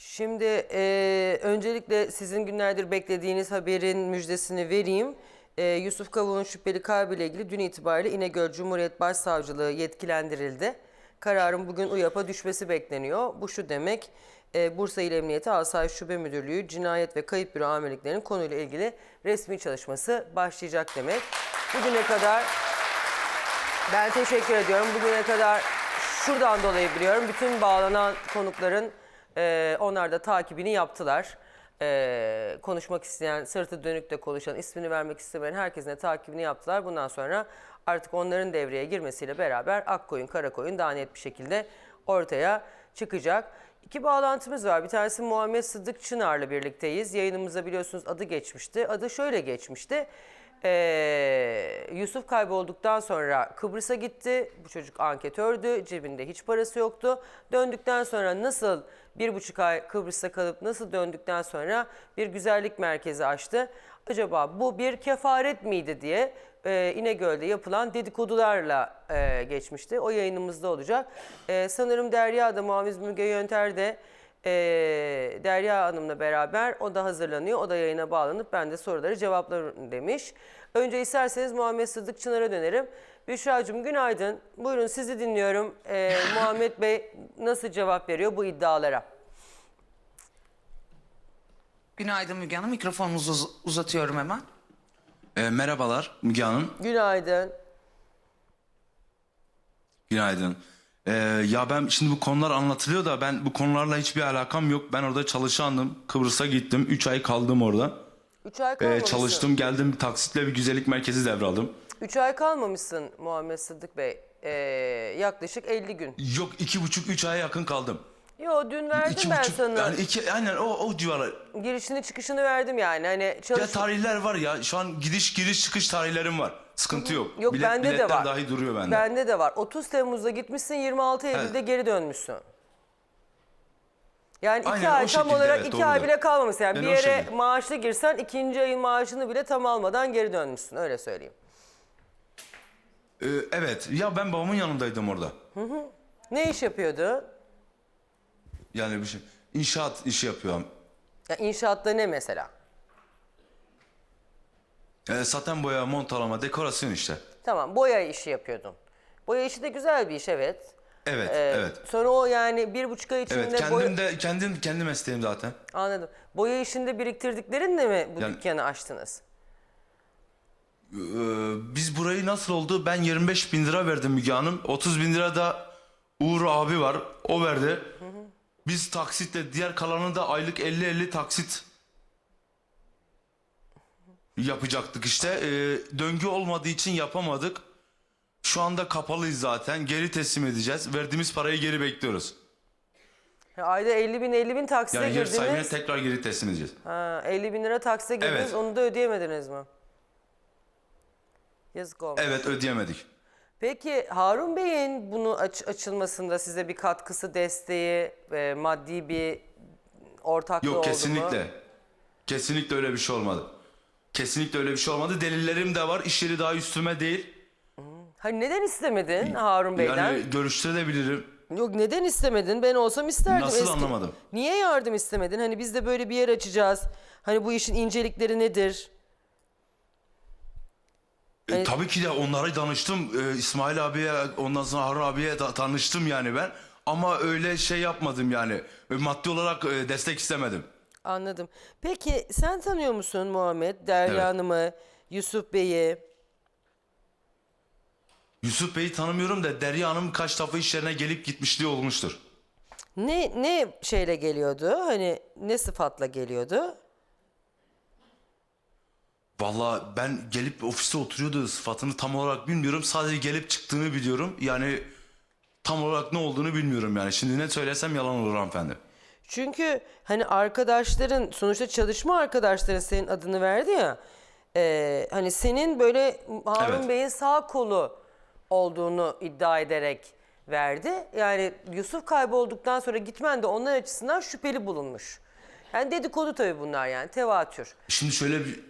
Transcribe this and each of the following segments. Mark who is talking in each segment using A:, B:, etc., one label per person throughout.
A: Şimdi öncelikle sizin günlerdir beklediğiniz haberin müjdesini vereyim. Yusuf Kavuk'un şüpheli kaybıyla ilgili dün itibariyle İnegöl Cumhuriyet Başsavcılığı yetkilendirildi. Kararın bugün UYAP'a düşmesi bekleniyor. Bu şu demek, Bursa İl Emniyeti Asayiş Şube Müdürlüğü Cinayet ve Kayıp Büro Amirliklerinin konuyla ilgili resmi çalışması başlayacak demek. Bugüne kadar ben teşekkür ediyorum. Bugüne kadar şuradan dolayı biliyorum. Bütün bağlanan konukların onlar da takibini yaptılar. Konuşmak isteyen, sırtı dönük de konuşan, ismini vermek istemeyen herkesin de takibini yaptılar. Bundan sonra artık onların devreye girmesiyle beraber Akkoyun, Karakoyun daha net bir şekilde ortaya çıkacak. İki bağlantımız var. Bir tanesi Muhammed Sıddık Çınar'la birlikteyiz. Yayınımıza biliyorsunuz adı geçmişti. Adı şöyle geçmişti. Yusuf kaybolduktan sonra Kıbrıs'a gitti. Bu çocuk anketördü. Cebinde hiç parası yoktu. Döndükten sonra nasıl 1,5 ay Kıbrıs'ta kalıp nasıl döndükten sonra bir güzellik merkezi açtı. Acaba bu bir kefaret miydi diye İnegöl'de yapılan dedikodularla geçmişti. O yayınımızda olacak. Sanırım Derya da Muaviz Müge Yönter de Derya Hanım'la beraber o da hazırlanıyor. O da yayına bağlanıp ben de soruları cevaplarım demiş. Önce isterseniz Muhammed Sıddık Çınar'a dönerim. Büşra'cığım günaydın. Buyurun sizi dinliyorum. Muhammed Bey nasıl cevap veriyor bu iddialara?
B: Günaydın Müge Hanım. Mikrofonunuzu uzatıyorum hemen.
C: Merhabalar Müge Hanım.
A: Günaydın.
C: Günaydın. Ya ben şimdi bu konular anlatılıyor da ben bu konularla hiçbir alakam yok. Ben orada çalışandım. Kıbrıs'a gittim. 3 ay kaldım orada.
A: 3 ay kalmamışsın.
C: Çalıştım, geldim, bir taksitle bir güzellik merkezi devraldım.
A: 3 ay kalmamışsın Muhammed Sıddık Bey. Yaklaşık 50 gün.
C: Yok, 2,5-3 aya yakın kaldım.
A: Yo dün verdim ben
C: 2,5
A: sana.
C: yani aynen o civarlar.
A: Girişini çıkışını verdim yani. Hani
C: Ya tarihler var ya. Şu an gidiş çıkış tarihlerim var. Sıkıntı yok.
A: Yok bende de
C: biletler
A: var.
C: dahi duruyor bende.
A: Bende de var. 30 Temmuz'da gitmişsin, 26 Eylül'de geri dönmüşsün. Yani 2
C: Aynen,
A: ay
C: o
A: tam
C: şekilde,
A: olarak
C: evet,
A: 2 ay
C: doğrudur.
A: bile kalmamışsın. Yani
C: Ben
A: bir
C: o
A: yere
C: şekilde.
A: maaşlı girsen 2. ayın maaşını bile tam almadan geri dönmüşsün. Öyle söyleyeyim.
C: Evet. Ya ben babamın yanındaydım orada.
A: Ne iş yapıyordu?
C: Yani bir şey. İnşaat işi yapıyorum.
A: Ya inşaatta ne mesela?
C: Saten boya, montalama, dekorasyon işte.
A: Tamam, boya işi yapıyordun. Boya işi de güzel bir iş, evet.
C: Evet, evet.
A: Sonra o yani 1,5 ay içinde
C: Evet, kendi mesleğim zaten.
A: Anladım. Boya işinde biriktirdiklerinle mi bu
C: Yani-
A: dükkanı açtınız?
C: Biz burayı nasıl oldu? Ben 25 bin lira verdim Müge Hanım. 30 bin lira da Uğur abi var. O verdi. Biz taksitle, diğer kalanını da aylık 50-50 taksit yapacaktık işte. Döngü olmadığı için yapamadık. Şu anda kapalıyız zaten. Geri teslim edeceğiz. Verdiğimiz parayı geri bekliyoruz.
A: Ayda 50 bin taksite
C: Yani yer sahibine
A: girdiniz.
C: tekrar geri teslim edeceğiz.
A: Ha, 50 bin lira taksite girdiniz,
C: Evet.
A: onu da ödeyemediniz mi? Yazık olmuş.
C: Evet, ödeyemedik.
A: Peki Harun Bey'in bunu açılmasında size bir katkısı, desteği, maddi bir ortaklığı
C: Yok,
A: oldu mu?
C: kesinlikle. Kesinlikle öyle bir şey olmadı. Kesinlikle öyle bir şey olmadı. Delillerim de var. İş yeri daha üstüme değil.
A: Hani neden istemedin Harun Bey'den?
C: Yani görüştürebilirim.
A: Yok neden istemedin? Ben olsam isterdim.
C: Nasıl anlamadım?
A: Niye yardım istemedin? Hani biz de böyle bir yer açacağız. Hani bu işin incelikleri nedir? Hani-
C: Tabii ki de onlara danıştım. İsmail abiye, ondan sonra Harun abiye tanıştım yani ben. Ama öyle şey yapmadım yani. Maddi olarak destek istemedim.
A: Anladım. Peki sen tanıyor musun Muhammed, Derya
C: Evet.
A: Hanım'ı, Yusuf Bey'i?
C: Yusuf Bey'i tanımıyorum da Derya Hanım kaç defa iş yerine gelip gitmişliği olmuştur.
A: Ne şeyle geliyordu? Hani ne sıfatla geliyordu?
C: Vallahi ben gelip ofiste oturuyordu, sıfatını tam olarak bilmiyorum. Sadece gelip çıktığını biliyorum. Yani tam olarak ne olduğunu bilmiyorum yani. Şimdi ne söylesem yalan olur hanımefendi.
A: Çünkü hani arkadaşların, sonuçta çalışma arkadaşların senin adını verdi ya. Hani senin böyle Harun
C: Evet.
A: Bey'in sağ kolu olduğunu iddia ederek verdi. Yani Yusuf kaybolduktan sonra gitmen de onlar açısından şüpheli bulunmuş. Yani dedikodu tabii bunlar, yani tevatür.
C: Şimdi şöyle bir...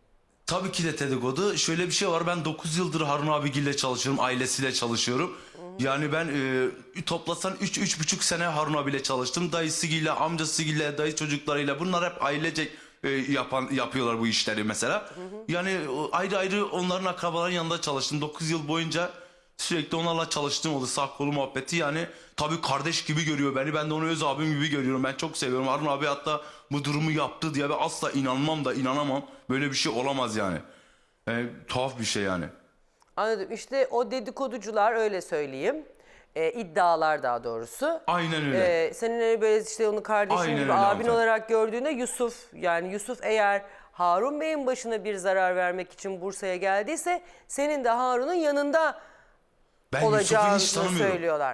C: Tabii ki de dedikodu. Şöyle bir şey var. Ben 9 yıldır Harun abigille çalışıyorum. Ailesiyle çalışıyorum. Yani ben toplasan 3-3,5 sene Harun abiyle çalıştım. Dayısıyla, amcasıyla, dayı çocuklarıyla bunlar hep ailecek yapıyorlar bu işleri mesela. Yani ayrı ayrı onların akrabaların yanında çalıştım. 9 yıl boyunca sürekli onlarla çalıştığım oldu. Sağ kolu muhabbeti yani tabii kardeş gibi görüyor beni. Ben de onu öz abim gibi görüyorum. Ben çok seviyorum. Harun abi hatta bu durumu yaptı diye ben asla inanamam. Böyle bir şey olamaz yani. Tuhaf bir şey yani.
A: Anladım. İşte o dedikoducular öyle söyleyeyim. İddialar daha doğrusu.
C: Aynen öyle.
A: Senin hani böyle işte onu kardeşin
C: Aynen
A: gibi
C: öyle
A: abin
C: hanımefendi.
A: olarak gördüğünde Yusuf yani Yusuf eğer Harun Bey'in başına bir zarar vermek için Bursa'ya geldiyse senin de Harun'un yanında
C: Ben Yusuf'u
A: olacağını
C: hiç tanımıyorum.
A: söylüyorlar.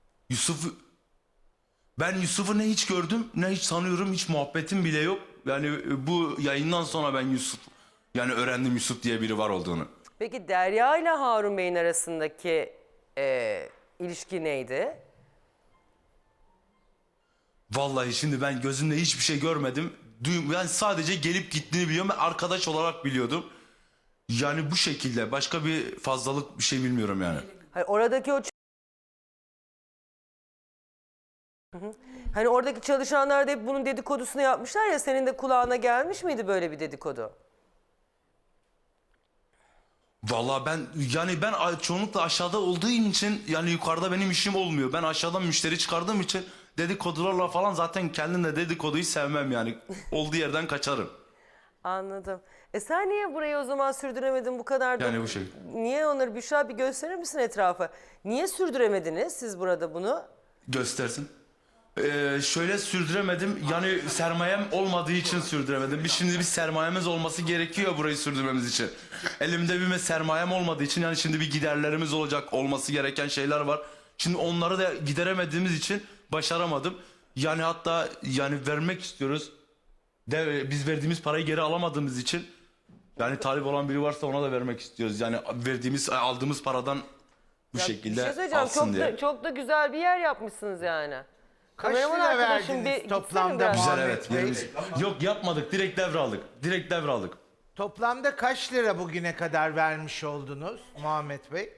C: Ben Yusuf'u ne hiç gördüm ne hiç tanıyorum, hiç muhabbetim bile yok. Yani bu yayından sonra ben yani öğrendim Yusuf diye biri var olduğunu.
A: Peki Derya ile Harun Bey'in arasındaki ilişki neydi?
C: Vallahi şimdi ben gözümle hiçbir şey görmedim. Yani sadece gelip gittiğini biliyorum. Ben arkadaş olarak biliyordum. Yani bu şekilde başka bir fazlalık bir şey bilmiyorum yani.
A: Hayır, oradaki o Hani oradaki çalışanlar da hep bunun dedikodusunu yapmışlar ya, senin de kulağına gelmiş miydi böyle bir dedikodu?
C: Vallahi ben çoğunlukla aşağıda olduğum için yani yukarıda benim işim olmuyor. Ben aşağıdan müşteri çıkardığım için dedikodularla falan zaten kendim de dedikoduyu sevmem yani. Olduğu yerden kaçarım.
A: Anladım. Sen niye burayı o zaman sürdüremedin bu kadar da?
C: Yani bu şey.
A: Niye onları Büşra bir gösterir misin etrafa? Niye sürdüremediniz siz burada bunu?
C: Göstersin. Şöyle sürdüremedim. Yani sermayem olmadığı için sürdüremedim. Şimdi bir sermayemiz olması gerekiyor burayı sürdürmemiz için. Elimde bir sermayem olmadığı için yani şimdi bir giderlerimiz olması gereken şeyler var. Şimdi onları da gideremediğimiz için başaramadım. Yani hatta yani vermek istiyoruz. Biz verdiğimiz parayı geri alamadığımız için yani talip olan biri varsa ona da vermek istiyoruz. Yani aldığımız paradan bu
A: Ya
C: şekilde
A: bir şey söyleyeceğim.
C: alsın diye.
A: Çok da güzel bir yer yapmışsınız yani.
D: Kaç
A: Kameraman
D: lira
A: arkadaşım
D: verdiniz
A: bir gitsene
D: toplamda
A: biraz.
C: Güzel
D: Muhammed
C: evet.
D: Bey?
C: Yok yapmadık. Direkt devraldık. Direkt devraldık.
D: Toplamda kaç lira bugüne kadar vermiş oldunuz Muhammed Bey?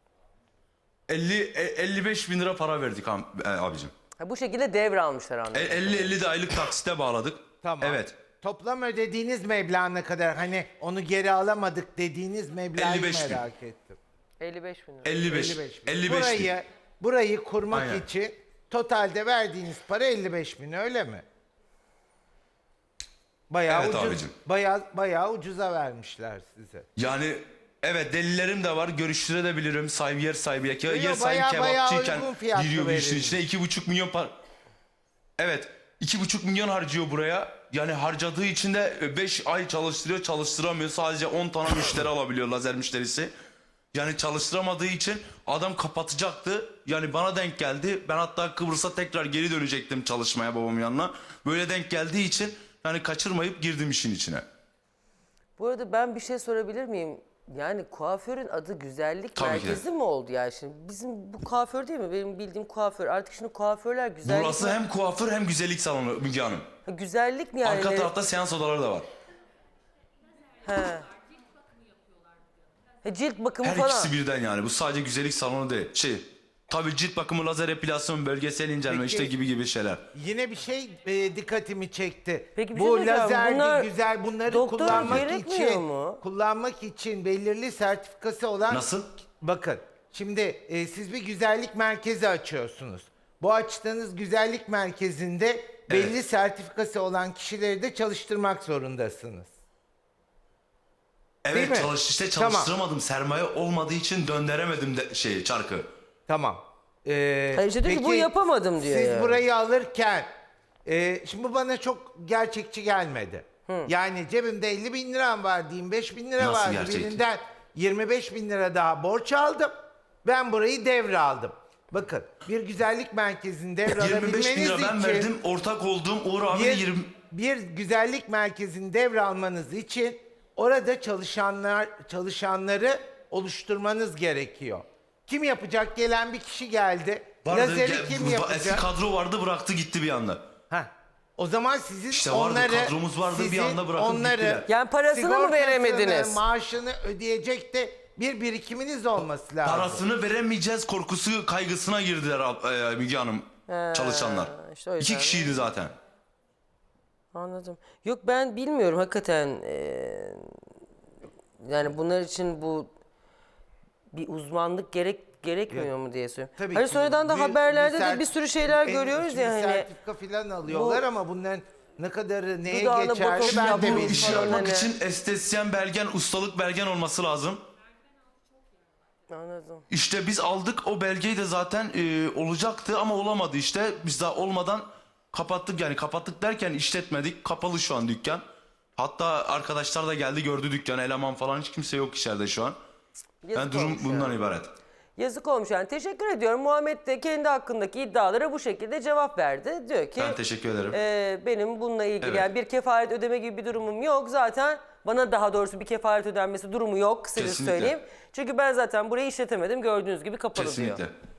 C: 55 bin lira para verdik abicim.
A: Ha, bu şekilde devralmışlar anladım.
C: 50 de aylık taksite bağladık.
D: Tamam.
C: Evet.
D: Toplam ödediğiniz meblağ ne kadar? Hani onu geri alamadık dediğiniz meblağı
C: 55 bin.
D: merak ettim.
A: 55 bin lira.
C: 55.
D: 55 bin.
C: 55 bin.
D: Burayı kurmak
C: Aynen.
D: için totalde verdiğiniz para 55 bin öyle mi? Bayağı
C: Evet
D: ucuz,
C: abicim.
D: bayağı ucuza vermişler size.
C: Yani evet delillerim de var. Görüştürebilirim. Yer sahibi. Yer sahibi
D: bayağı
C: kebapçıyken
D: uygun fiyatlı
C: giriyor bu işin
D: verilmiş.
C: içine. 2,5 milyon para. Evet. 2,5 milyon harcıyor buraya. Yani harcadığı için de 5 ay çalıştıramıyor. Sadece 10 tane müşteri alabiliyor, lazer müşterisi. Yani çalıştıramadığı için adam kapatacaktı. Yani bana denk geldi. Ben hatta Kıbrıs'a tekrar geri dönecektim çalışmaya babamın yanına. Böyle denk geldiği için yani kaçırmayıp girdim işin içine.
A: Bu arada ben bir şey sorabilir miyim? Yani kuaförün adı güzellik
C: Tabii ki de.
A: merkezi mi oldu yani şimdi? Bizim bu kuaför değil mi? Benim bildiğim kuaför. Artık şimdi kuaförler güzellik...
C: Burası hem kuaför hem güzellik salonu Müge Hanım.
A: Ha, güzellik mi yani?
C: Arka tarafta seans odaları da var.
A: Cilt bakımı
C: Her
A: falan.
C: ikisi birden yani. Bu sadece güzellik salonu değil. Tabii cilt bakımı, lazer epilasyon, bölgesel incelme
D: Peki.
C: işte gibi şeyler.
D: Yine bir şey dikkatimi çekti.
A: Peki bir şey
D: Bu
A: söyleyeceğim.
D: lazerdi
A: Bunlar
D: güzel bunları
A: doktora
D: kullanmak
A: gerekmiyor
D: için
A: mu?
D: belirli sertifikası olan
C: Nasıl?
D: Bakın şimdi siz bir güzellik merkezi açıyorsunuz. Bu açtığınız güzellik merkezinde belli sertifikası olan kişileri de çalıştırmak zorundasınız. Değil
C: Evet
D: mi?
C: işte
D: Tamam.
C: çalıştıramadım. Sermaye olmadığı için döndüremedim çarkı.
D: Tamam.
A: Hayır, işte diyor ki, bu yapamadım diyor
D: Siz
A: yani.
D: burayı alırken şimdi bu bana çok gerçekçi gelmedi. Yani cebimde 50 bin liram var diyeyim, 5 bin lira
C: Nasıl
D: vardı.
C: gerçekçi?
D: Birinden 25 bin lira daha borç aldım. Ben burayı devraldım. Bakın bir güzellik merkezini
C: 25 bin
D: devralabilmeniz
C: lira ben
D: için
C: verdim. Ortak olduğum Uğur abi de 20...
D: bir güzellik merkezini devralmanız için orada çalışanları oluşturmanız gerekiyor. Kim yapacak? Gelen bir kişi geldi. Lazeri kim
C: Eski
D: yapacak?
C: kadro vardı bıraktı gitti bir anda.
D: Heh. O zaman sizin
C: İşte vardı, kadromuz vardı, bir anda bırakıp gittiler.
A: Yani parasını mı
D: sigortasını,
A: veremediniz?
D: maaşını ödeyecek de bir birikiminiz olması lazım.
C: Parasını veremeyeceğiz korkusu, kaygısına girdiler Müge Hanım çalışanlar.
A: işte o yüzden
C: 2 kişiydi zaten.
A: Anladım. Yok ben bilmiyorum hakikaten. Yani bunlar için bu bir uzmanlık gerekmiyor mu diye söylüyorum.
D: Tabii
A: Hani
D: ki
A: sonradan da
D: bir
A: haberlerde de
D: sert-
A: bir sürü şeyler
D: en-
A: görüyoruz
D: şimdi
A: ya hani.
D: sertifika falan alıyorlar ama bunların ne kadarı neye
A: Dudağına
D: geçerli
A: botoks
D: ben de
A: yapılmış
C: Bu
D: bilmiyorum.
C: işi
A: falan
C: yapmak
A: hani.
C: için estetisyen belgen, ustalık belgen olması lazım.
A: Anladım.
C: İşte biz aldık o belgeyi de zaten olacaktı ama olamadı işte. Biz daha olmadan kapattık, yani kapattık derken işletmedik. Kapalı şu an dükkan. Hatta arkadaşlar da geldi gördü dükkanı, eleman falan hiç kimse yok içeride şu an.
A: Yazık
C: Yani durum
A: olmuş
C: bundan
A: ya.
C: ibaret.
A: Yazık olmuş yani. Teşekkür ediyorum. Muhammed de kendi hakkındaki iddialara bu şekilde cevap verdi. Diyor ki
C: Ben teşekkür ederim.
A: benim bununla ilgili
C: Evet.
A: yani bir kefaret ödeme gibi bir durumum yok. Zaten bana daha doğrusu bir kefaret ödenmesi durumu yok. Size
C: Kesinlikle.
A: söyleyeyim. Çünkü ben zaten burayı işletemedim. Gördüğünüz gibi kapalı diyor.
C: Kesinlikle.